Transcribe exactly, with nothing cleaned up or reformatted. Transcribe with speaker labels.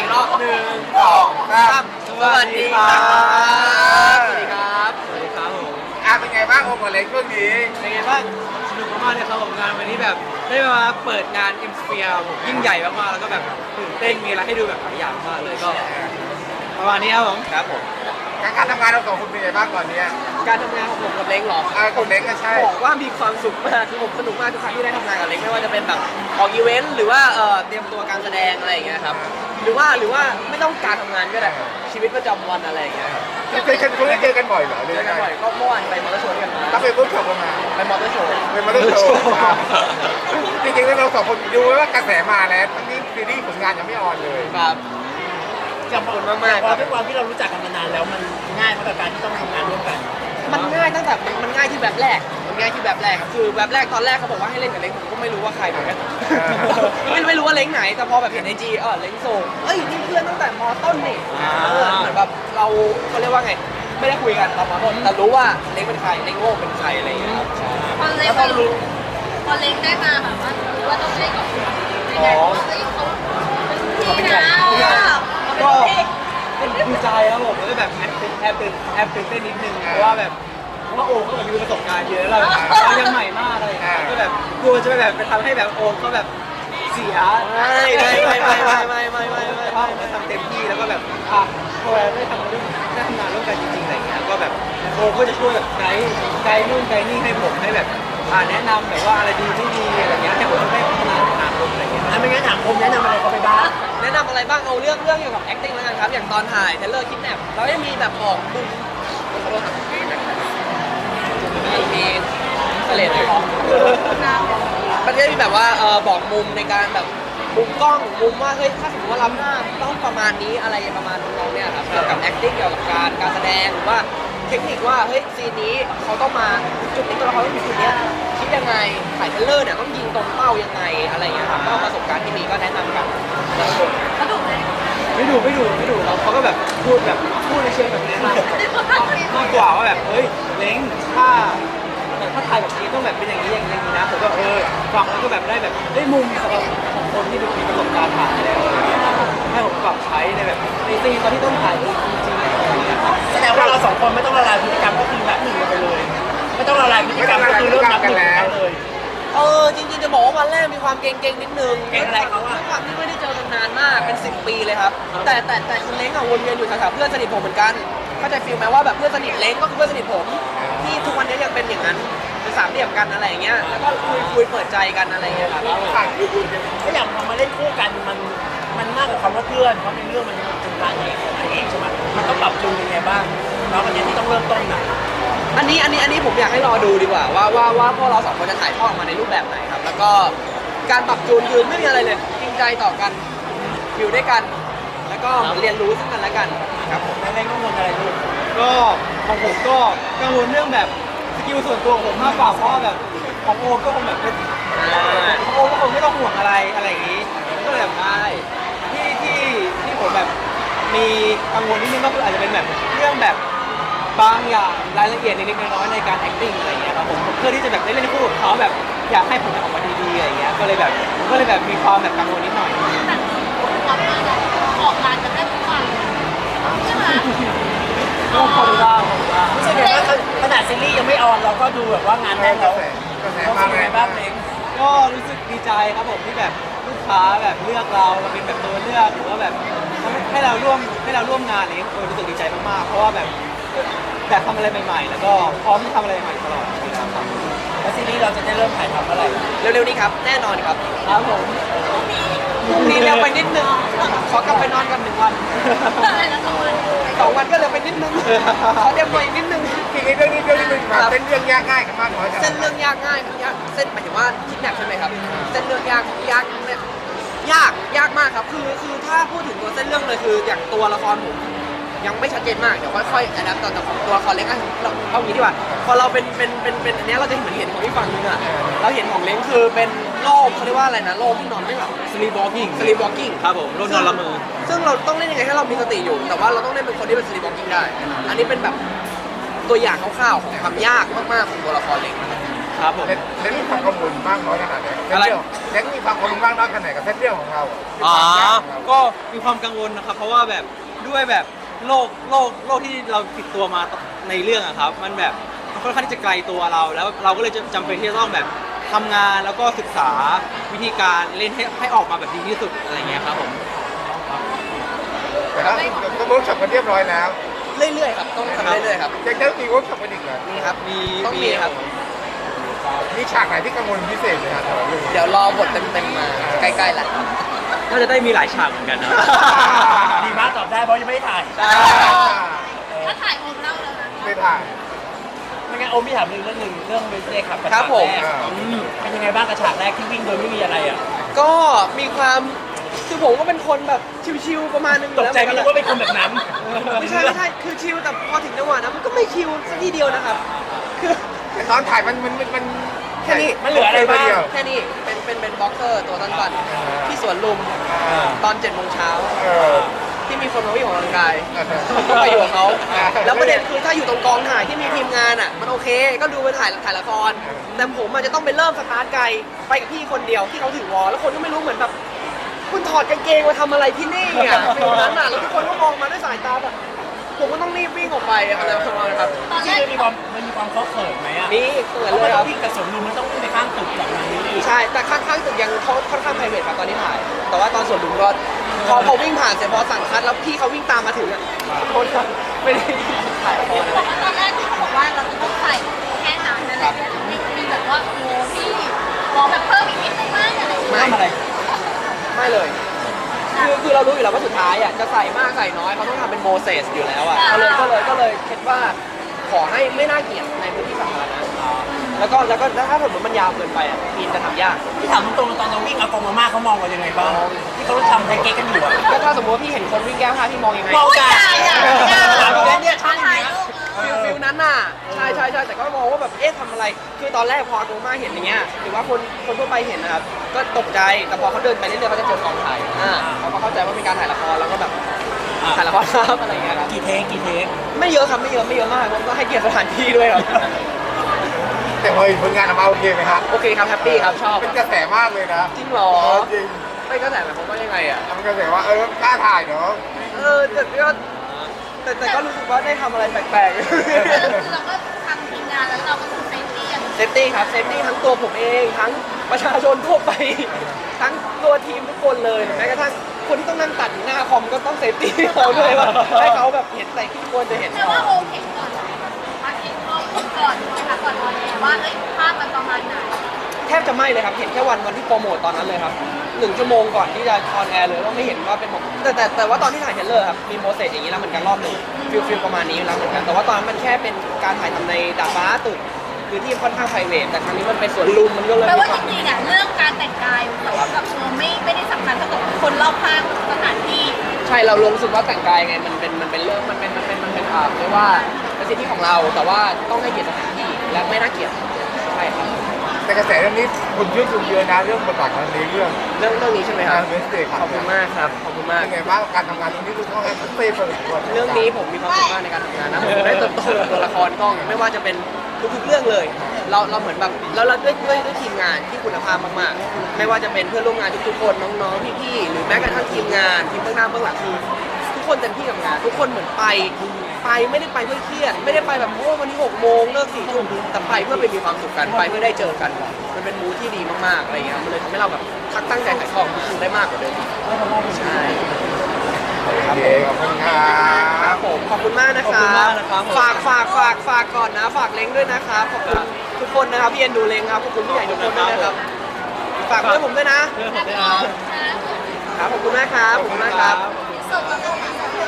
Speaker 1: รอบหนึ่งสองสามสวัสดีครับสวัสดีครับสวัสดีครับผม
Speaker 2: อ่ะเป็นไงบ้างโอมกับเล็กช่วงนี้
Speaker 1: เป็นไงบ้างสนุกมากเลยครับผมงานวันนี้แบบได้มาเปิดงาน เอ็ม สเฟียร์ ผมยิ่งใหญ่มากๆแล้วก็แบบตื่นเต้นมีอะไรให้ดูแบบหลายอย่างมากเลยก็ประมาณนี้ครับผมครับผม
Speaker 2: การการทำงานเราสองคนเป็นไงบ้างก่อนเนี้ย
Speaker 1: การทำงานของผมกับเล้งหรอ
Speaker 2: อ่ากับเล้งก็ใช่
Speaker 1: บอกว่ามีความสุขมากคือผมสนุกมากทุกครั้งที่ได้ทำงานกับเล้งไม่ว่าจะเป็นแบบออกอีเวนต์หรือว่าเอ่อเตรียมตัวการแสดงอะไรอย่างเงี้ยครับหรือว่าหรือว่าไม่ต้องการทำงานก็ได้ชีวิตประจำวันอะไรอย่างเงี้ยครับ
Speaker 2: เจอกันคุณได้เจอกันบ่อยเหรอ
Speaker 1: เจอกันบ่อยก็เมื่อวานไปมอเตอร์โชว์กันมา
Speaker 2: ก็ไปเพิ่งจบมา
Speaker 1: ไปมอเตอร์โชว์
Speaker 2: ไปมอเตอร์โชว์จริงๆแล้วเราสองคนดูว่ากระแสมาแล้วทั้งนี้ซีรีส์ผลงานยังไม่ออนเลย
Speaker 1: ครับ
Speaker 3: ขอบคุณมากๆเพราะด้วยความที่เรารู้จักกันมานานแล้วมันง่ายมากกับการที่ต้องทำงานร่วมกัน
Speaker 1: มันง่ายตั้งแต่มันง่ายที่แบบแรกมันง่ายที่แบบแรกคือแบบแรกตอนแรกเขาบอกว่าให้เล่นกับเล้งผมก็ไม่รู้ว่าใครเหมือนกันไม่ไม่รู้ว่าเล้งไหนแต่พอแบบเห็นไอจีเออเล้งโซ่เอ้ยนี่เพื่อนตั้งแต่มต้นนี่เหมือนแบบเราเขาเรียกว่าไงไม่ได้คุยกันตอนมต้นแต่รู้ว่าเล้งเป็นใครเล้งโง่เป็นใครอะไรอย่างเงี้ยครับ
Speaker 4: พอเล้งมารู้พอเล้งได้มาแบบว่ารู้ว่าต้องเล่นกับคุณในการว่าเฮ้ยเขาพี่นะ
Speaker 1: ก็เป็นดีใจครับผมแล้วแบบแอบแอบตื่นแอบตื่นเต้นนิดนึงเพราะว่าแบบเพราะว่าโอมเขาแบบมีประสบการณ์เยอะเราเรายังใหม่มากเลยก็แบบกลัวจะไปแบบไปทำให้แบบโอมเขาแบบเสียไม่ไม่ไม่ไม่ไม่ไม่ไม่ไม่เพราะผมทำเต็มที่แล้วก็แบบอ่ะพอได้ทำเรื่องได้ทำงานร่วมกันจริงๆอะไรเงี้ยก็แบบโอมก็จะช่วยแบบไกด์ไกด์นู่นไกด์นี่ให้ผมให้แบบอ่าแนะนำแบบว่าอะไรดีไม่ดีอะไรเงี้ยให้ผมได้พัฒนาในอนาคตอะไรเงี้ย
Speaker 3: อันไม่งั้นถามผมแนะนำอะไรเขาไปบ้าง
Speaker 1: แนะนำอะไรบ้างเอาเรื่องเรื่องเกี่ยวกับ acting แล้วกันครับอย่างตอนถ่ายเทเลอร์คิดแนบเราได้มีแบบบอกมุมมีมีเสลดของมันจะมีแบบว่าเออบอกมุมในการแบบมุมกล้องมุมว่าเฮ้ยถ้าสมมติว่ารับหน้าต้องประมาณนี้อะไรประมาณน้องเนี่ยครับเกี่ยวกับ acting เกี่ยวกับการการแสดงหรือว่าเทคนิคว่าเฮ้ยซีนนี้เขาต้องมาจุดนี้ตัวละครต้องอยู่จุดนี้คิดยังไงถ่ายเทเลอร์เนี่ยต้องยิงตรงเป้ายังไงอะไรอย่างเงี้ยครับก็ประสบการณ์ที่มีก็แนะนำกัน
Speaker 4: เขาดุไหม
Speaker 1: ไม่ดูไม่ดูไม่ดูเราเขาก็แบบพูดแบบพูดในเชิงแบบนี้มากมากกว่าว่าแบบเฮ้ยเล้งถ้าถ้าถ่ายแบบนี้ต้องแบบเป็นอย่างนี้อย่างนี้นะผมก็เออฟังแล้วก็แบบได้แบบได้มุมสำหรับของคนที่มีประสบการณ์ถ่ายแล้วให้ผมปรับใช้ในแบบในซีนตอนที่ต้องถ่ายจริงๆอะไรอย่างเงี้ย
Speaker 3: แสดงว่าเราสองคนไม่ต้องละลายพฤติกรรมก็คือแบบหนึ่งไปเลยไม่ต้องละลายพฤติกรรมก็คือเริ่มนับหนึ่งเลย
Speaker 1: เออจริงๆจะบอกว่าวันแรกมีความเก่งๆนิดนึง
Speaker 3: เก่งอะไรเขา
Speaker 1: ด้วยความที่ไม่ได้เจอกันนานมากเป็นสิบปีเลยครับแต่แต่แต่คุณเล้งอะวนเวียนอยู่แถวๆเพื่อนสนิทผมเหมือนกันเข้าใจฟีลไหมว่าแบบเพื่อนสนิทเล้งก็คือเพื่อนสนิทผมที่ทุกวันนี้ยังเป็นอย่างนั้นเป็นสามเหลี่ยมกันอะไรอย่างเงี้ยแล้วก็คุยคุยเปิดใจกันอะไรอย่างเงี้ยครับ
Speaker 3: ก็อย่างพอมาเล่นคู่กันมันมันมากกว่าคำว่าเพื่อนเพราะเป็นเรื่องมันเป็นการเองเองใช่ไหมมันต้องปรับจูนยังไงบ้างแล้ววันนี้ที่ต้องเริ่มต้นนะ
Speaker 1: อันนี้อันนี้อันนี้ผมอยากให้รอดูดีกว่าว่าว่าว่าพวกเราสองคนจะถ่ายทอดออกมาในรูปแบบไหนครับแล้วก็การปรับจูนคือไม่มีอะไรเลยจริงใจต่อกันอยู่ด้วยกันแล้วก็เรียนรู้ซึ่งกันและกันครับผม
Speaker 3: แล้วเล้งกังวลอะไรลูก
Speaker 1: ก็ของผมก็กังวลเรื่องแบบสกิลส่วนตัวผมมากกว่าเพราะแบบของโอก็คงแบบของโอก็คงไม่ต้องห่วงอะไรอะไรอย่างนี้ก็เลยแบบได้ที่ที่ที่ผมแบบมีกังวลนิดนึงก็คืออาจจะเป็นแบบเรื่องแบบบางอย่างรายละเอียดเล็กๆน้อยๆในการ acting อะไรอย่างเงี้ยครับผมเพื่อที่จะแบบได้เล่นคู่กับเขาแบบอยากให้ผลงานออกมาดีๆอะไรอย่างเงี้ยก็เลยแบบก็เลยแบบมีความแบบกังวลนิดหน่อย
Speaker 4: แต่ออกมาออกงานกันได้ทุกวันใช่ไหม
Speaker 1: ก็ขอบคุณบ้างขอบคุณบ้าง
Speaker 3: รู้สึกไงว่าขนาดซีรีส์ยังไม่ออนเราก็ดูแบบว่างานแน่นแล้ว
Speaker 2: กระแส
Speaker 3: รู้สึกไงบ้างเล้ง
Speaker 1: ก็รู้สึกดีใจครับผมที่แบบลูกค้าแบบเลือกเราเราเป็นแบบตัวเลือกหรือว่าแบบให้เราร่วมให้เราร่วมงานนี้รู้สึกดีใจมากๆเพราะว่าแบบแต่ทำอะไรใหม่ๆแล้วก็พร้อมที่ทำอะไรใหม่ตลอดครับ
Speaker 3: แล้วซีรีส์เราจะได้เริ่มถ่ายทำเมื่อไหร่
Speaker 1: เร็วๆนี้ครับแน่นอนครับครับผมพรุ่งนี้เร็วไปนิดนึงขอกลับไปนอนกันหนึ่งวันสองวันก็เร็วไปนิดนึงขอเร็วไปนิดนึง
Speaker 2: ทีนี้เรื่องนี้เรื่องนี้มันเส้นเรื่องยากง่ายกันมากน้อย
Speaker 1: เส้นเรื่องยากง่ายยากเส้นหมายถึงว่าคิดแนบใช่ไหมครับเส้นเรื่องยากยากเนี่ยยากยากมากครับคือคือถ้าพูดถึงตัวเส้นเรื่องเลยคืออย่างตัวละครผมยังไม่ชัดเจนมากเดี๋ยวค่อยๆอันนั้นตอนแต่ของตัวละครเล้งอ่ะเราเอางี้ดีกว่าพอเราเป็นเป็นเป็นเป็นอันนี้เราจะเหมือนเห็นของที่ฝั่งนึงอ่ะเราเห็นของเล้งคือเป็นโล่เขาเรียกว่าอะไรนะโล่ที่นอนไม่หลับ sleep walking sleep walking ครับผมโล่นอนละเมอซึ่งเราต้องเล่นยังไงให้เรามีสติอยู่แต่ว่าเราต้องเล่นเป็นคนที่เป็น sleep walking ได้อันนี้เป็นแบบตัวอย่างคร่าวๆของความยากมากๆของตัวละครเล้งครับผม
Speaker 2: เล่นเล่นมีความกังวลมากน้อยขนาดไหน
Speaker 1: อะไร
Speaker 2: เล่นมีความกังวลมากน้อยขนาดไหนกับเส้นเรื่องของเรา
Speaker 1: อ๋อ
Speaker 2: ก็
Speaker 1: ก็มีความกังวลนะครับ เพราะว่าแบบด้วยแบบโลกโลกโลกที่เราติดตัวมาในเรื่องอะครับ มันแบบมันค่อนข้างที่จะไกลตัวเรา แล้วเราก็เลยจำเป็นที่จะต้องแบบทำงานแล้วก็ศึกษาวิธีการเล่นให้ให้ออกมาแบบดีที่สุดอะไรเงี้ยครับผม
Speaker 2: แต่ถ้าก็เวิร์กช็อปกันเรียบร้อยแล้ว
Speaker 5: เรื่อยๆครับต้องทำเรื่อยๆครับ
Speaker 2: ยังจะมีเวิร์กช็อปกันอีกเหรอ
Speaker 5: มีครับ
Speaker 1: มี
Speaker 5: ต้องมีครับ
Speaker 2: มีฉากไหนที่กังวลพิเศษไหมครับสำหรับเรื่องนี้
Speaker 5: เดี๋ยวรอบทเต็มๆมาใกล้ๆแหละ
Speaker 1: น่าจะได้มีหลายฉากเหมือนกันนะ
Speaker 3: ดีมากตอบได้เพราะยังไม่ได้ถ่าย
Speaker 5: ใช่
Speaker 4: ถ้าถ่ายโอมเล่าแล้วนะ
Speaker 2: ไม่ถ่าย
Speaker 3: ไม่งั้นโอมพี่ถามเรื่องหนึ่งเรื่องเวสเซ่ครับกับ
Speaker 5: ครับ
Speaker 3: ฉาก
Speaker 5: ผม
Speaker 3: แรก
Speaker 2: อ่า
Speaker 3: อืมเป็นยังไงบ้างกับฉากแรกที่วิ่งโดยไม่มีอะไรอ่ะ
Speaker 5: ก็มีความคือผมก็เป็นคนแบบชิวๆประมาณนึงอ
Speaker 3: ต
Speaker 5: ยู่
Speaker 3: ก
Speaker 5: แล้ว
Speaker 3: ใจไม่รู้ว่าเป็นคนแบบนั้น
Speaker 5: ไม่ใช่ไม่ใช่คือชิวแต่พอถึงจังหวะนั้นมันก็ไม่ชิวสักทีเดียวนะครับ คือ
Speaker 2: แต่ตอนถ่ายมันมันมันมัน
Speaker 5: แค่นี้
Speaker 3: มันเหลืออะไรบ้าง
Speaker 2: เดียว
Speaker 5: แค่นี้เป็นเป็นเป็นบ็อกเซอร์ตัวสั้นๆที่สวนลุม
Speaker 2: อ่า
Speaker 5: ตอนเจ็ดโมงเช้า
Speaker 2: เออ
Speaker 5: ที่มีคนมาวิ่งออกกำลังกาย
Speaker 2: เออ
Speaker 5: ก็ไปอยู่กับเขา
Speaker 2: อ่า
Speaker 5: แล้วประเด็นคือถ้าอยู่ตรงกองถ่ายที่มีทีมงานอ่ะ มันโอเค ก็ดูไปถ่ายถ่ายละคร แต่ผมอาจจะต้องไปเริ่มสตาร์ทไกลไปกับพี่คนเดียวที่เขาถือวอลแล้วคนก็ไม่รู้เหมือนแบบ คุณถอดกางเกงมาทำอะไรที่นี่อ่ะฟิลนั้นอ่ะแล้วทุกคนก็มองมาด้วยสายตาแบบผมก็ต้องรีบวิ่งออกไปอะไรประมาณนั้นครับ
Speaker 4: ตอน
Speaker 3: จ
Speaker 4: แร
Speaker 3: ริง
Speaker 4: ก
Speaker 3: ๆมันมีความมันมีความเคาะเขินไหมอ่ะ
Speaker 5: นี่เกิด
Speaker 3: เพราะ
Speaker 5: เล
Speaker 3: มัน
Speaker 5: ยค
Speaker 3: ต้อ
Speaker 5: รั
Speaker 3: ง
Speaker 5: บ
Speaker 3: วิ่งกับสวนลุมมันต้องวิ่งไปข้างตึกแบบนั้นนี่
Speaker 5: ใช่แต่ข้างๆตึกยังเขาค่อนข้างไพรเวทครับตอนที่ถ่าย แต่ว่าตอนสวนลุมก็พอพอวิ่งผ่านเสร็จพอสั่งคัดแล้วพี่เขาวิ่งตามมาถึงอ่ะโทษครับไม่ได้ถ่ายละคร
Speaker 4: บอกว่าตอนแรกที่บอกว่าเราจะต้องใส่แค่นั้นอะไรเงี้ยมีมีแบบว่าโอ้พี่บอกแบบเพิ่มอีกนิดนึงไหมอะไรอย่างเงี้ย
Speaker 3: ทำอะไร
Speaker 5: ไม่เลย คือคือเรารู้อยู่แล้วว่าสุดท้ายอ่ะจะใส่มากใส่น้อยเขาต้องทำเป็นโมเสสอยู่แล้วอ่ะก็เลยก็เลยก็เลยคิดว่าขอให้ไม่น่าเกลียดในพื้นที่สาธารณะแล้วก็แล้วก็ถ้าสมมติมันยาวเกินไปอ่ะทีมจะทำยาก
Speaker 3: ที่ถามตรงๆตอนเราวิ่งเอากองมาม่าเขามองเรายังไงบ้างที่เขาทำไทเก๊กกันอยู่อะ
Speaker 5: ก็ถ้าสมมติว่าพี่เห็นคนวิ่งแก้ผ้าพี่มองยังไง
Speaker 3: มอง
Speaker 4: อย่าอย่าอย่า
Speaker 3: ถามพี่เบนเนี่ยชอบ
Speaker 4: ถ่าย
Speaker 3: อย่าง
Speaker 4: รู
Speaker 3: เงี้ย
Speaker 4: ป
Speaker 5: ฟิลฟิลนั้นน่ะใช่ใช่ใช่แต่ก็มองว่าแบบเอ๊ะทำอะไร คือตอนแรกพอโดมาเห็นอย่างเงี้ยหรือว่าคนคนทั่วไปเห็นนะครับก็ตกใจแต่พอเขาเดินไปเรื่อยๆเขาจะเจอกองถ่ายอ่าเขาก็เข้าใจว่าเป็นการถ่ายละครแล้วก็แบบถ่ายละครครับอะไรอย่างเงี้ยครับ
Speaker 3: กี่เทคกี่เทค
Speaker 5: ไม่เยอะครับไม่เยอะไม่เยอะมากผมก็ให้เกียรติสถานที่ด้วยครับ
Speaker 2: แต่พอเห็นผลงานออกมาโอเคไหมครับ
Speaker 5: โอเคครับแฮปปี้ครับชอบ
Speaker 2: เป็นกระแสมากเลยนะ
Speaker 5: จริงเหรอ
Speaker 2: เออจริง
Speaker 5: ไม่ก็แต่หมายความว่ายังไงอ่ะ
Speaker 2: ทำกระแสว่าเออกล้าถ่ายเนาะ
Speaker 5: เออแต่ก็แต่แต่ก็รู้สึกว่าได้ทำอะไรแปลก
Speaker 4: คือเราก็ทำทีมงานแล้วเราก็คือเซฟตี้
Speaker 5: ๆ เซฟตี้ครับเซฟตี้ทั้งตัวผมเองทั้งประชาชนทั่วไป ทั้งตัวทีมทุกคนเลยแม้กระทั่งคนที่ต้องนั่งตัดอยู่หน้าคอมก็ต้องเซฟตี้เขาด้วยว่าให้เขาแบบเห็นใส่ที่ควรจะเห็น
Speaker 4: แต่ว่าโอมเห็นก่อนพักเห็นข้อมูลก่อนนะคะก่อนออนแอร์ว่าเอ้ยภาพมันประมาณไหน
Speaker 5: แทบจะไม่เลยครับเห็นแค่วันวันที่โปรโมทตอนนั้นเลยครับหนึ่งชั่วโมงก่อนที่จะออนแอร์เลยว่าไม่เห็นว่าเป็นผมแต่แต่แต่ว่าตอนที่ถ่ายเทรลเลอร์ครับมีโมเสสอย่างนี้แล้วเหมือนกันรอบหนึ่งฟิลฟิลประมาณนี้แล้วเหมือนกันแต่ว่าตอนนั้นมันแค่เป็นการถ่ายทำในดาดฟ้าตึกคือที่ค่อนข้างไพรเวทแต่ครั้งนี้มันเป็นสวนลุมมันก็เลย
Speaker 4: แปล
Speaker 5: มี
Speaker 4: ว่า
Speaker 5: ค
Speaker 4: จ
Speaker 5: วาม
Speaker 4: ริงๆอ่ะเรื่องการแต่งกายแต่ว่ากับโชว์ไม่ไม่ได้สำคัญเท่ากับคนรอบข้างสถานที่
Speaker 5: ใช่เราลงรู้สึกว่าแต่งกายไงมันเป็นมันเป็นเรื่องมันเป็นมันเป็นมันเป็นอ่าเรียกว่าเป็นสิทธิของเราแต่ว่าต้องให้เกียรติสถานที่และไม่น่าเกลียดใช่ครับ
Speaker 2: แต่กระแสเรื่องนี้คนชื่นชมเยอะนะเรื่องบทบาทของในเรื่อง
Speaker 5: เรื่องเรื่องนี้ใช่ไหมครับ
Speaker 2: เวสเตย์ครับ
Speaker 5: ขอบคุณมากครับขอบคุณมาก
Speaker 2: เป็นไงบ้างการทำงานตรงนี้ดูต้องให้เต้เปิดตัว
Speaker 5: เรื่องนี้ผมมีความสุขมากในการทำงานนะผมได้เติบโตกับตัวละครกล้องไม่ว่าจะเป็นทุกๆเรื่องเลย เราเราเหมือนแบบแล้วเราด้วยด้วยด้วยทีมงานที่คุณภาพมากๆ ไม่ว่าจะเป็นเพื่อนร่วมงานทุกๆคนน้องๆพี่ๆหรือแม้กระทั่งทีมงานทีมเบื้องหน้าเบื้องหลังคือทุกคนเต็มที่กับงาน ทุกคนเหมือนไปไปไม่ได้ไปเพื่อเครียดไม่ได้ไปแบบโอ้วันนี้หกโมงเลิกสี่ทุ่มแต่ไปเพื่อไปมีความสุขกันไปเพื่อได้เจอกันมันเป็นมูทที่ดีมากๆอะไรอย่างเงี้ยมันเลยทำให้เราแบบทักตั้งใจถ่ายทอดทุกๆได้มากกว่าเดิมอีกใช่
Speaker 2: โอเคขอบคุณครั
Speaker 5: ครับ บผมขอบคุณมากนะค
Speaker 1: ขอบคุ
Speaker 5: รั
Speaker 1: ณ
Speaker 5: บ
Speaker 1: มากนะครับ
Speaker 5: ฝากฝากฝากฝากก่อนนะ ฝากเล้งด้วยนะครับขอบคุณทุกคนนะครับพี่เอ็นดูเล้งครับขอบคุณผู้ใหญ่ทุกคนด้วยนะครับฝากเพื่อนผมด้วยนะ
Speaker 1: เพื่อนผมด้วยนะครับ
Speaker 5: ครับขอบคุณมากครับขอบคุณมากครับ
Speaker 4: ส่งมาตรงนี้